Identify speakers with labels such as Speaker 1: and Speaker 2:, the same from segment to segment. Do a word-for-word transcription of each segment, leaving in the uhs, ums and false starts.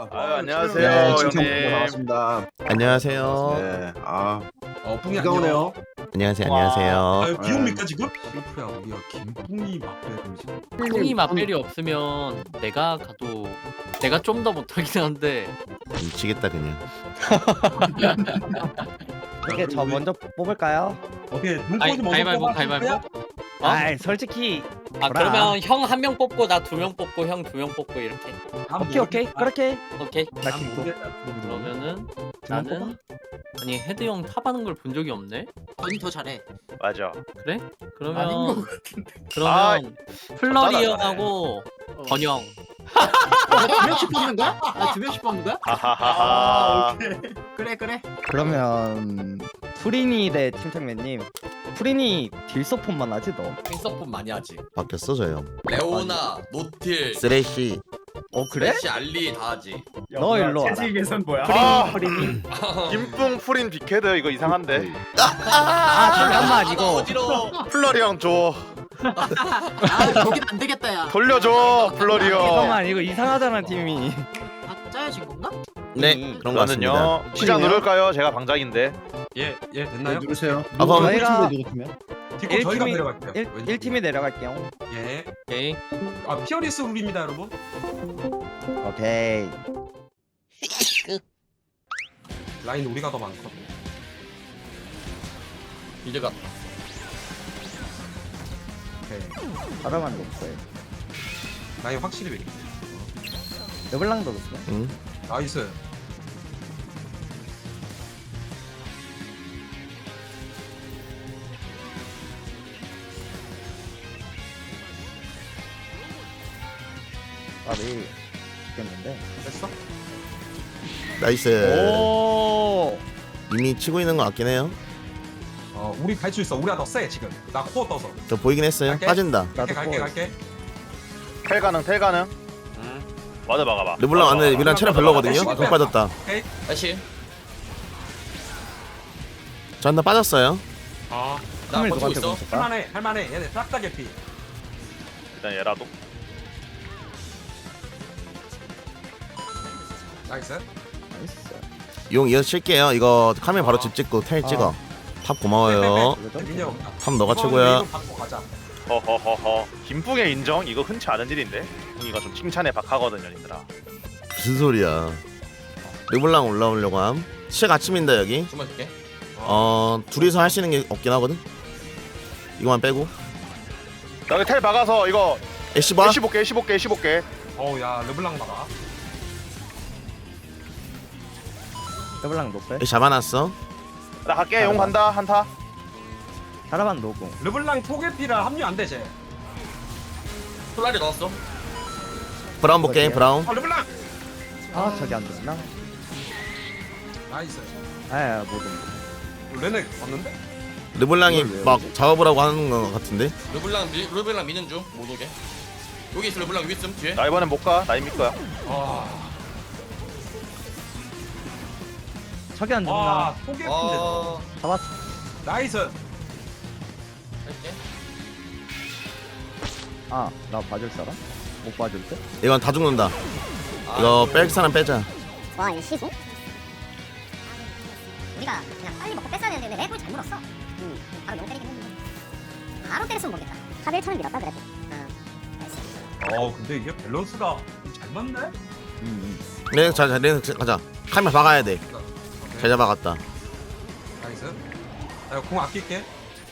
Speaker 1: 아유, 안녕하세요.
Speaker 2: 네,
Speaker 1: 형님.
Speaker 2: 반갑습니다.
Speaker 3: 안녕하세요.
Speaker 2: 네, 아,
Speaker 4: 어, 뿡이
Speaker 2: 비가 오네요.
Speaker 3: 안녕하세요.
Speaker 1: 와.
Speaker 3: 안녕하세요.
Speaker 4: 아, 비 옵니까 지금? 실프야, 우리가 김뿡이 맛배를 지금.
Speaker 5: 뿡이 맛벨이 없으면 내가 가도 내가 좀 더 못하긴 한데
Speaker 3: 미치겠다 그냥.
Speaker 6: 이렇게 저 먼저 뽑을까요?
Speaker 4: 오케이,
Speaker 5: 가위-
Speaker 4: 눈꽃이 먼저
Speaker 5: 가위바위보,
Speaker 4: 뽑아.
Speaker 5: 가위바위보? 어?
Speaker 6: 아, 솔직히
Speaker 5: 아
Speaker 6: 뭐라.
Speaker 5: 그러면 형 한 명 뽑고 나 두 명 뽑고 형 두 명 뽑고 이렇게
Speaker 6: 오케이 오케이 그렇게
Speaker 5: 오케이
Speaker 6: 나
Speaker 4: 난
Speaker 6: 김도
Speaker 4: 모르겠다.
Speaker 5: 그러면은
Speaker 6: 두명
Speaker 5: 나는 아니 헤드 형 탑하는 걸 본 적이 없네
Speaker 7: 언니 더 잘해.
Speaker 1: 맞아.
Speaker 5: 그래?
Speaker 7: 아닌 것
Speaker 5: 그러면
Speaker 7: 같은데.
Speaker 5: 그러면 플러리
Speaker 1: 맞아.
Speaker 5: 형하고 번영
Speaker 7: 두 명씩 뽑는 거야? 아, 두 명씩 뽑는 거야?
Speaker 1: 하하하하.
Speaker 7: 그래 그래.
Speaker 6: 그러면 프리니 대 팀장맨님 프리니 딜서폰만 하지 너?
Speaker 8: 핑서폰 많이 하지.
Speaker 3: 바뀌었어 저 형.
Speaker 8: 레오나, 노틸,
Speaker 3: 쓰레쉬.
Speaker 6: 어 그래?
Speaker 8: 래시, 알리 다 하지.
Speaker 6: 너 일로 와라
Speaker 4: 계산 뭐야?
Speaker 1: 아,
Speaker 6: 프리니
Speaker 1: 김뿡 프린 빅헤드 이거 이상한데.
Speaker 6: 아 잠깐만
Speaker 8: 아,
Speaker 6: 이거
Speaker 8: 어지러워.
Speaker 1: 플러리 형 줘.
Speaker 7: 아, 거긴 안 되겠다 야.
Speaker 1: 돌려줘, 플러리 형.
Speaker 6: 잠깐만 이거 이상하잖아 팀이
Speaker 7: 아, 짜여진 건가?
Speaker 3: 네
Speaker 6: 음,
Speaker 3: 그런 거 같습니다.
Speaker 1: 저는요. 시작 누를까요? 제가 방장인데.
Speaker 4: 예, 예,
Speaker 2: 네,
Speaker 4: 됐나요?
Speaker 2: 누르세요.
Speaker 3: 아, 그럼
Speaker 6: 저희가
Speaker 4: 뒷고
Speaker 6: 일
Speaker 4: 저희가
Speaker 6: 팀이-
Speaker 4: 내려갈게요.
Speaker 6: 일,
Speaker 4: 왼쪽.
Speaker 6: 일 팀이 내려갈게요
Speaker 4: 예.
Speaker 5: 오케이
Speaker 4: 아, 피어리스 룰입니다, 여러분.
Speaker 6: 오케이
Speaker 4: 라인 우리가 더 많거든.
Speaker 8: 이제 갔다.
Speaker 4: 오케이.
Speaker 6: 바로만 높고요
Speaker 4: 라인 확실히 왜?
Speaker 6: 르블랑도 높고요
Speaker 3: 응.
Speaker 4: 나이스.
Speaker 6: 나를 죽겠는데
Speaker 4: 됐어?
Speaker 3: 나이스.
Speaker 6: 오
Speaker 3: 이미 치고 있는 거 같긴 해요.
Speaker 4: 어, 우리 갈 수 있어. 우리가 더 세 지금. 나 코어 떠서.
Speaker 3: 저 보이긴 했어요.
Speaker 4: 갈게.
Speaker 3: 빠진다.
Speaker 4: 갈게,
Speaker 6: 나도
Speaker 4: 갈게,
Speaker 6: 코어
Speaker 4: 갈게.
Speaker 1: 텔 가능, 텔 가능.
Speaker 4: 응.
Speaker 1: 와드 막아봐.
Speaker 3: 르블랑
Speaker 1: 와드
Speaker 3: 안에
Speaker 1: 막아봐.
Speaker 3: 미란 체력 별로거든요.
Speaker 4: 와드
Speaker 3: 못 빠졌다.
Speaker 4: 오케이.
Speaker 8: 다시.
Speaker 3: 저 한 번 빠졌어요.
Speaker 4: 아,
Speaker 8: 나
Speaker 6: 카밀
Speaker 8: 버티고
Speaker 6: 누구한테
Speaker 8: 있어.
Speaker 6: 멈췄다?
Speaker 4: 할만해, 할만해. 얘네 싹 다 개피.
Speaker 1: 일단 얘라도.
Speaker 4: 나이스.
Speaker 6: 나이스
Speaker 3: 용 이어서 칠게요. 이거 카메라 바로 집 찍고 텔 찍어. 탑 고마워요.
Speaker 4: 민이 없다.
Speaker 3: 탑 너가
Speaker 4: 이번
Speaker 3: 최고야.
Speaker 4: 웨이브 받고 가자.
Speaker 1: 허허허허. 김뿡의 인정? 이거 흔치 않은 일인데. 뿡이가 좀 칭찬에 박하거든요, 님들아.
Speaker 3: 무슨 소리야. 르블랑 올라오려고 함. 시작 아침인다 여기.
Speaker 8: 주문 줄게.
Speaker 3: 어 둘이서 할 수 있는 게 없긴 하거든. 이거만 빼고.
Speaker 1: 나 여기 텔 박아서 이거
Speaker 3: 애쉬 봐.
Speaker 1: 십오 개, 십오 개, 십오 개.
Speaker 4: 어우, 야, 르블랑 막아.
Speaker 6: 르블랑 높고
Speaker 3: 애쉬 잡아놨어.
Speaker 1: 나 갈게. 용 간다. 한타.
Speaker 6: 자라반 노고
Speaker 4: 르블랑 초계피라 합류 안 돼, 쟤.
Speaker 8: 솔라리 넣었어.
Speaker 3: 브라운 볼게. 브라운.
Speaker 4: 아, 르블랑.
Speaker 6: 아 저기 안 됐나?
Speaker 4: 나이스.
Speaker 6: 아야 뭐든
Speaker 4: 레넥 왔는데?
Speaker 3: 르블랑이 막 작업을 하고 하는 거 같은데.
Speaker 8: 르블랑 미, 르블랑 미는 중. 못 오게. 여기 있어 르블랑 여기 있음 뒤에.
Speaker 1: 나 이번엔 못 가. 나 이미 거야.
Speaker 4: 아,
Speaker 6: 저기 안 됐나?
Speaker 4: 와, 초계피인데.
Speaker 8: 어.
Speaker 6: 잡았어
Speaker 4: 나이스.
Speaker 8: 할게.
Speaker 6: 아나 봐줄 사람? 못 봐줄 때?
Speaker 3: 이건 다 죽는다.
Speaker 8: 아,
Speaker 3: 이거 뺄 사람 빼자.
Speaker 9: 와, 이 시소? 우리가 그냥 빨리 먹고 뺐어야 되는데 왜 랩을 잘 물었어? 응, 바로 용 때리긴 했는데 바로 때렸으면 모르겠다. 탑 일 천을 밀었다 그래도. 응, 나이스.
Speaker 4: 어, 근데 이게 밸런스가 잘 맞네?
Speaker 6: 음,
Speaker 3: 레넥 자, 레넥 가자. 카메라 박아야 돼.
Speaker 4: 오케이.
Speaker 3: 잘 잡아갔다.
Speaker 4: 나이스. 나 이거 공 아낄게.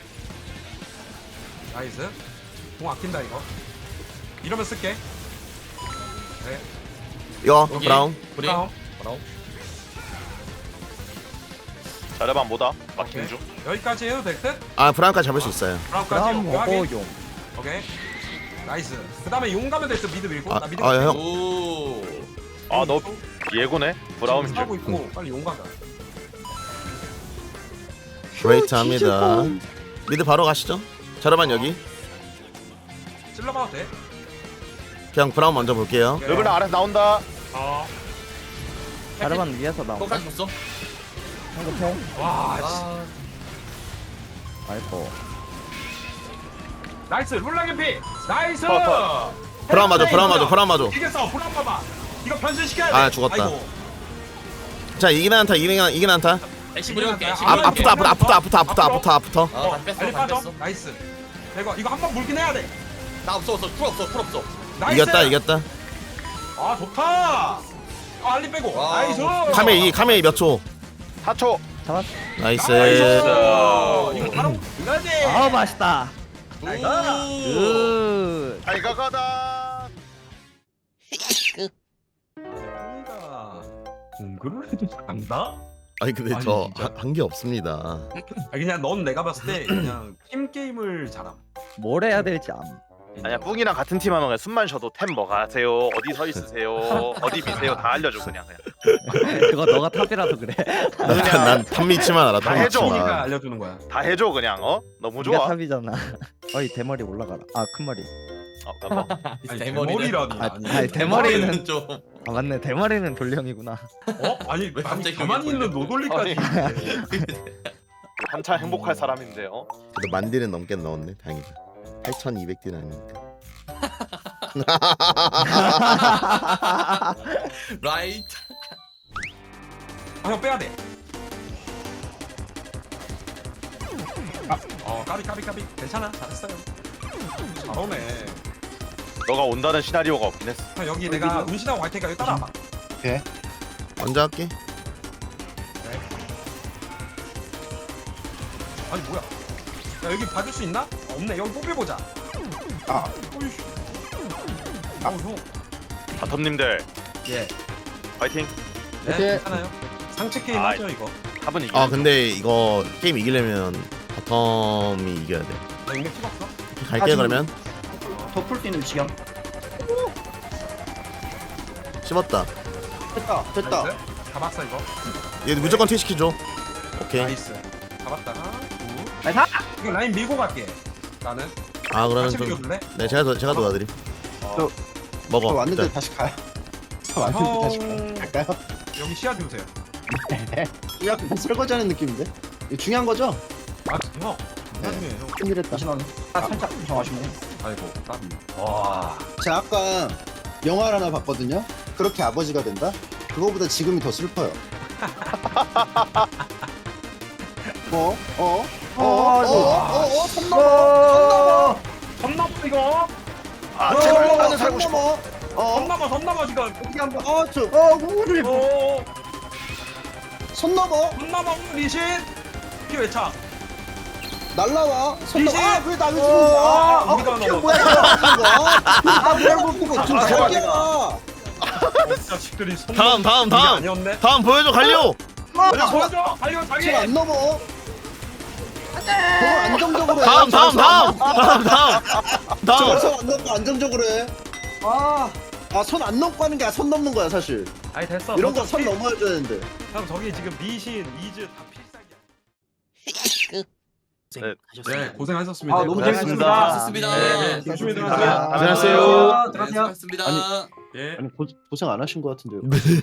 Speaker 4: 나이스. 공 아낀다 이거. 이러면 쓸게. 네.
Speaker 3: 이거
Speaker 8: 여기.
Speaker 3: 브라운.
Speaker 8: 브리.
Speaker 4: 다음.
Speaker 8: 브라운.
Speaker 1: 자르반 뭐다? 마킹
Speaker 4: 오케이.
Speaker 1: 중.
Speaker 4: 여기까지 해도 될 듯?
Speaker 3: 아 브라운까지 잡을 수 있어요.
Speaker 4: 브라운까지
Speaker 6: 그럼
Speaker 4: 오케이, 확인.
Speaker 6: 먹어용
Speaker 4: 오케이. 나이스. 그 다음에 용 가면 될 듯 미드 밀고.
Speaker 3: 아,
Speaker 4: 나 미드
Speaker 3: 아,
Speaker 4: 밀고.
Speaker 3: 형.
Speaker 8: 오.
Speaker 1: 아, 너 예고네. 브라운
Speaker 4: 하고
Speaker 1: 줄.
Speaker 4: 있고 빨리 용 가자.
Speaker 3: 웨이트 합니다. 미드 바로 가시죠. 자르반 여기.
Speaker 4: 찔러봐도 돼.
Speaker 3: 그냥 브라운 먼저 볼게요.
Speaker 4: 오케이.
Speaker 1: 르블랑 아래서 나온다.
Speaker 4: 어.
Speaker 6: 자르반 위에서 나오고
Speaker 8: 똥까지 줬어.
Speaker 6: 한국해
Speaker 4: 와, 씨.
Speaker 8: 아.
Speaker 6: 아이고
Speaker 4: 나이스. 룰라 개피. 나이스.
Speaker 1: 퍼,
Speaker 3: 브라운 맞아. 브라운 맞아. 브라운 맞아.
Speaker 4: 이겼어. 브라운 봐봐. 이거 변신시켜야 돼.
Speaker 3: 아, 죽었다.
Speaker 4: 아이고.
Speaker 3: 자 이기는 한타 이기는 이기는 한타.
Speaker 8: 액시 부려올게. 액시
Speaker 3: 아,
Speaker 8: 부려올게.
Speaker 3: 아프다 아프다 아프다 아프다 아프다 아프다 아프다.
Speaker 8: 어, 다 뺐어.
Speaker 4: 빨리
Speaker 8: 다
Speaker 4: 빠져.
Speaker 8: 뺐어.
Speaker 4: 나이스. 이거 이거 한 번 물긴 해야 돼.
Speaker 8: 나 없어 없어. 풀 없어. 풀 없어.
Speaker 4: 나이스.
Speaker 3: 이겼다 이겼다.
Speaker 4: 아 좋다. 아, 알리 빼고.
Speaker 8: 와.
Speaker 4: 나이스.
Speaker 3: 카메이 카메이 몇 초?
Speaker 1: 사 초.
Speaker 6: 잡았어.
Speaker 3: 나이스.
Speaker 4: 나이스. 이거 바로 이거지.
Speaker 6: 아 맛있다.
Speaker 8: 오.
Speaker 6: 굿.
Speaker 1: 잘 가가다.
Speaker 4: 뭔가 공부를 해도 잘한다?
Speaker 3: 아니 근데
Speaker 4: 아니,
Speaker 3: 저
Speaker 4: 진짜.
Speaker 3: 한 게 없습니다.
Speaker 4: 아 그냥 넌 내가 봤을 때 그냥 팀 게임을 잘함.
Speaker 6: 뭘 해야 될지 암.
Speaker 1: 아니야 뿡이랑 같은 팀 하면 그냥 숨만 쉬어도 템 뭐가 하세요? 어디 서 있으세요? 어디 미세요? 다 알려줘 그냥 그냥.
Speaker 6: 그거 너가 탑이라서 그래.
Speaker 3: 난 탐미치만 알아.
Speaker 1: 다 해줘.
Speaker 4: 가
Speaker 3: 탐미치만.
Speaker 4: 알려주는 거야.
Speaker 1: 다 해줘 그냥 어? 너무
Speaker 6: 네가
Speaker 1: 좋아.
Speaker 6: 탑이잖아. 어이 대머리 올라가라. 아 큰 머리.
Speaker 1: 어, 뭐.
Speaker 4: 아니
Speaker 8: 대머리네.
Speaker 4: 대머리라니.
Speaker 6: 아,
Speaker 4: 아니,
Speaker 6: 아니, 대머리는
Speaker 8: 좀.
Speaker 6: 아 맞네. 대머리는 돌령이구나.
Speaker 4: 어? 아니
Speaker 8: 왜
Speaker 4: 아니
Speaker 8: 갑자기
Speaker 4: 가만히
Speaker 8: 여기
Speaker 4: 있는 노돌리까지.
Speaker 1: 한참 행복할 사람인데요.
Speaker 3: 그래도 만 딜은 넘게 넣었네. 다행이다. 팔천이백 딜 아니니까.
Speaker 8: 라이트.
Speaker 4: 아 형 빼야 돼. 아, 어 까비 까비 까비 괜찮아 잘했어요. 잘오네.
Speaker 1: 너가 온다는 시나리오가 없긴 했어.
Speaker 4: 형 여기 내가 운신하고 갈 테니까 여기 따라와봐.
Speaker 3: 먼저 할게.
Speaker 4: 아니 뭐야? 야 여기 봐줄 수 있나? 어, 없네. 여기 뽑혀보자.
Speaker 2: 아.
Speaker 4: 어이씨. 아 형.
Speaker 1: 바텀님들
Speaker 4: 예.
Speaker 1: 파이팅.
Speaker 4: 네
Speaker 2: 오케이.
Speaker 4: 괜찮아요. 상체 게임
Speaker 1: 아이.
Speaker 4: 하죠 이거.
Speaker 1: 합은 이기.
Speaker 3: 아 근데 이거 게임 이기려면 바텀이 이겨야 돼.
Speaker 4: 나 용맥 찍었어?
Speaker 3: 갈게 그러면.
Speaker 7: 더 풀 수 있는 지경.
Speaker 3: 씹었다.
Speaker 2: 됐다 됐다.
Speaker 4: 나이스. 잡았어 이거.
Speaker 3: 얘 무조건 티 시키죠. 오케이.
Speaker 4: 나이스. 잡았다가. 굿.
Speaker 7: 나이스.
Speaker 4: 이거 라인 밀고 갈게. 나는.
Speaker 3: 아 그러면
Speaker 4: 같이
Speaker 3: 좀.
Speaker 4: 밀어줄래?
Speaker 3: 네 제가 도, 제가 도와드림.
Speaker 2: 저-
Speaker 3: 먹어.
Speaker 2: 저 왔는데
Speaker 3: 일단.
Speaker 2: 다시 가요. 저 왔는데 다시 가요.
Speaker 4: 형
Speaker 2: 갈까요?
Speaker 4: 여기 시야 주세요.
Speaker 2: 이거 약간 설거지하는 느낌인데? 이거 중요한 거죠?
Speaker 4: 아 형. 나중에 형.
Speaker 2: 큰일했다.
Speaker 7: 잠시만. 아 살짝 좀 아쉽네.
Speaker 4: 아이고 까비.
Speaker 2: 제가 아까 영화를 하나 봤거든요. 그렇게 아버지가 된다? 그거보다 지금이 더 슬퍼요. 어? 어? 어? 어? 어? 어? 어? 손 넘어! 손 넘어!
Speaker 4: 선 넘어 이거.
Speaker 1: 아 제발 나는 살고
Speaker 2: 손
Speaker 1: 싶어.
Speaker 2: 넘어! 어?
Speaker 4: 선 넘어 선 넘어 지금.
Speaker 2: 어떻게 한번 어? 저 어? 우리
Speaker 4: 오.
Speaker 2: 손 넘어!
Speaker 4: 선 넘어 리신. 피 외차.
Speaker 2: 날라와! 손 넘어!
Speaker 4: 이제-
Speaker 2: 아! 왜 나를
Speaker 4: 어,
Speaker 2: 주는 거야? 아!
Speaker 4: 우리가
Speaker 2: 아!
Speaker 4: 넘어.
Speaker 2: 뭐야 이거! 아! 뭐야 이거! 좀 살게야!
Speaker 4: 어, 자식들이 손
Speaker 3: 다음, 다음,
Speaker 4: 이게
Speaker 3: 다음.
Speaker 4: 아니었네.
Speaker 3: 다음 보여줘 갈려.
Speaker 4: 야 보여줘. 달려 자기.
Speaker 2: 지금 안 넘어! 더 안정적으로 해!
Speaker 3: 다음 다음 다음 다음 다음 다음.
Speaker 2: 저손 안 넘고 안정적으로 해! 아! 아 손 안 넘고 하는 게 아니라 손 넘는 거야 사실.
Speaker 4: 아니 됐어.
Speaker 2: 이런
Speaker 4: 너
Speaker 2: 거 손
Speaker 4: 피-
Speaker 2: 넘어야 되는데.
Speaker 4: 형 저기 지금 미신 이즈 다 필살기야. 네 고생하셨습니다.
Speaker 7: 아, 너무
Speaker 1: 고생하셨습니다.
Speaker 8: 좋습니다.
Speaker 4: 네, 조심히 들어가세요.
Speaker 3: 안녕하세요.
Speaker 7: 들어가세요.
Speaker 8: 수고하셨습니다.
Speaker 4: 예.
Speaker 2: 아니 고, 고생 안 하신 것 같은데요.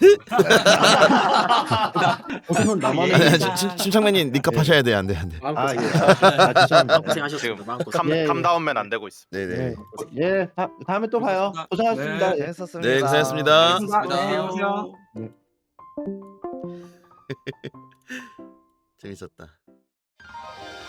Speaker 2: 고생은 나만
Speaker 3: 아니,
Speaker 2: 해.
Speaker 3: 아니, 심- 심창맨님 니값 하셔야 돼 안 돼 안 돼.
Speaker 2: 아 예. 아 죄송합니다.
Speaker 7: 고생하셨습니다. 마음고생.
Speaker 1: 캄
Speaker 2: 예, 예.
Speaker 1: 캄다운맨 안 되고 있어.
Speaker 3: 네네.
Speaker 2: 예. 예. 다, 다음에 또 봐요. 고생하셨습니다.
Speaker 4: 네.
Speaker 2: 예.
Speaker 6: 재밌었습니다.
Speaker 3: 네 고생했습니다.
Speaker 8: 고생하셨습니다.
Speaker 3: 재밌었다.